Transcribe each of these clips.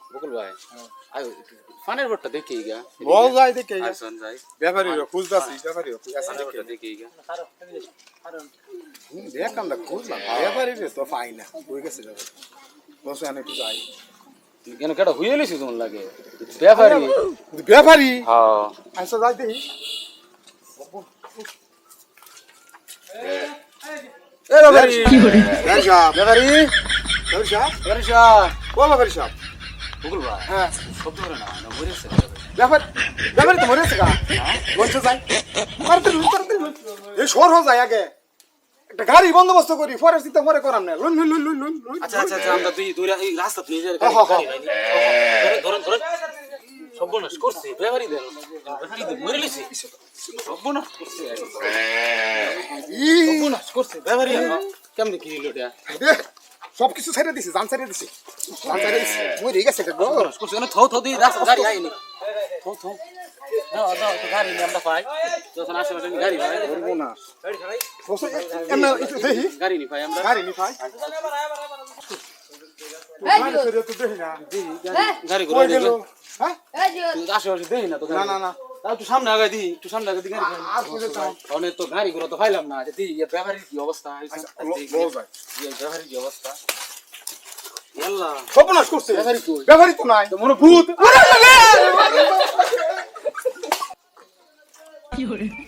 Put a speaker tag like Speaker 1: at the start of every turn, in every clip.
Speaker 1: বকুল ভাই আয় ফানের বটটা দেখি গা
Speaker 2: বল যাই দেখে
Speaker 1: আসন যাই
Speaker 2: ব্যাপারীরা খুঁজতাছি ব্যাপারীরা
Speaker 1: ফানের বটটা দেখি গা
Speaker 2: দেখ আমরা খুঁজলাম ব্যাপারীরা তো পাই না কই গেছে ব্যাপারী বসে আনে একটু যাই
Speaker 1: কেন কেটা হইয়ে লিছি তোমার লাগে ব্যাপারি
Speaker 2: ব্যাপারী
Speaker 1: হ্যাঁ
Speaker 2: আচ্ছা যাই দেখি
Speaker 1: এ ব্যাপারি
Speaker 2: ব্যাপারী সাহেব
Speaker 1: ব্যাপারি
Speaker 2: ব্যাপারী সাহেব
Speaker 1: ব্যাপারি সাহেব
Speaker 2: ও ব্যাপারী সাহেব
Speaker 1: বকুল ভাই
Speaker 2: হ্যাঁ
Speaker 1: শব্দ করে না না মরেছে
Speaker 2: ব্যাপারী তো মরেছে গা বলছে যাই তাড়াতাড়ি এই শোর হয়ে যায় আগে একটা গাড়ি বন্দোবস্ত করি পরে চিন্তা পরে করাম না লুন লুন লুন লুন লুন
Speaker 1: আচ্ছা আচ্ছা আচ্ছা আমরা দুই এই রাস্তা নিয়ে যাই ধরেন ধরেন সর্বনাশ করছে ব্যাপারি দেন ব্যাপারি দেন মরে লিছি সর্বনাশ করছে সর্বনাশ করছে ব্যাপারি কেমনে কি হলো এটা
Speaker 2: সব কিছু ছেড়ে দিছি জান ছেড়ে দিছি জান ছেড়ে দিছি মরে গেছে গো
Speaker 1: সর্বনাশ করছে না থো থো দি রাস্তা গাড়ি আইনি থো থো দাও দাও তো গাড়ি নিয়ে আমরা পাই যখন আশেপাশে গাড়ি পাই
Speaker 2: করবো না এমনা একটু দেখি
Speaker 1: গাড়ি নি পাই আমরা
Speaker 2: গাড়ি নি ভাই গাড়ি ছেড়ে তো দেখি না
Speaker 1: গাড়ি
Speaker 2: কই
Speaker 1: করে
Speaker 2: গেল
Speaker 1: দেখো
Speaker 2: হ্যাঁ
Speaker 1: আশেপাশে দেখি না তো
Speaker 2: না না না
Speaker 1: তাও একটু সামনে আগাই দি একটু সামনে আগাই দি গাড়ি
Speaker 2: আর কোথায় যাও
Speaker 1: অনেক তো গাড়ি গুলো তো পাইলাম না যে ব্যাপারীর কি অবস্থা
Speaker 2: আচ্ছা বল ভাই
Speaker 1: ব্যাপারীর কি অবস্থা আল্লাহ
Speaker 2: সর্বনাশ করছে
Speaker 1: ব্যাপারী কই
Speaker 2: ব্যাপারী তো নাই
Speaker 1: তো মনে ভূত
Speaker 3: কি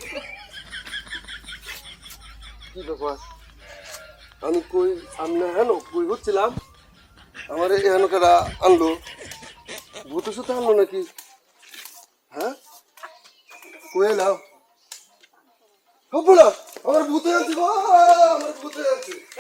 Speaker 3: ব্যাপার
Speaker 4: আমি কই সামনে হেন কই হচ্ছিলাম আমার এখানে কারা আনলো ভূতের সাথে আনলো নাকি হ্যাঁ কই এলাম হবো না আমার ভূতে আনছি গো, আমার ভূতে আনছি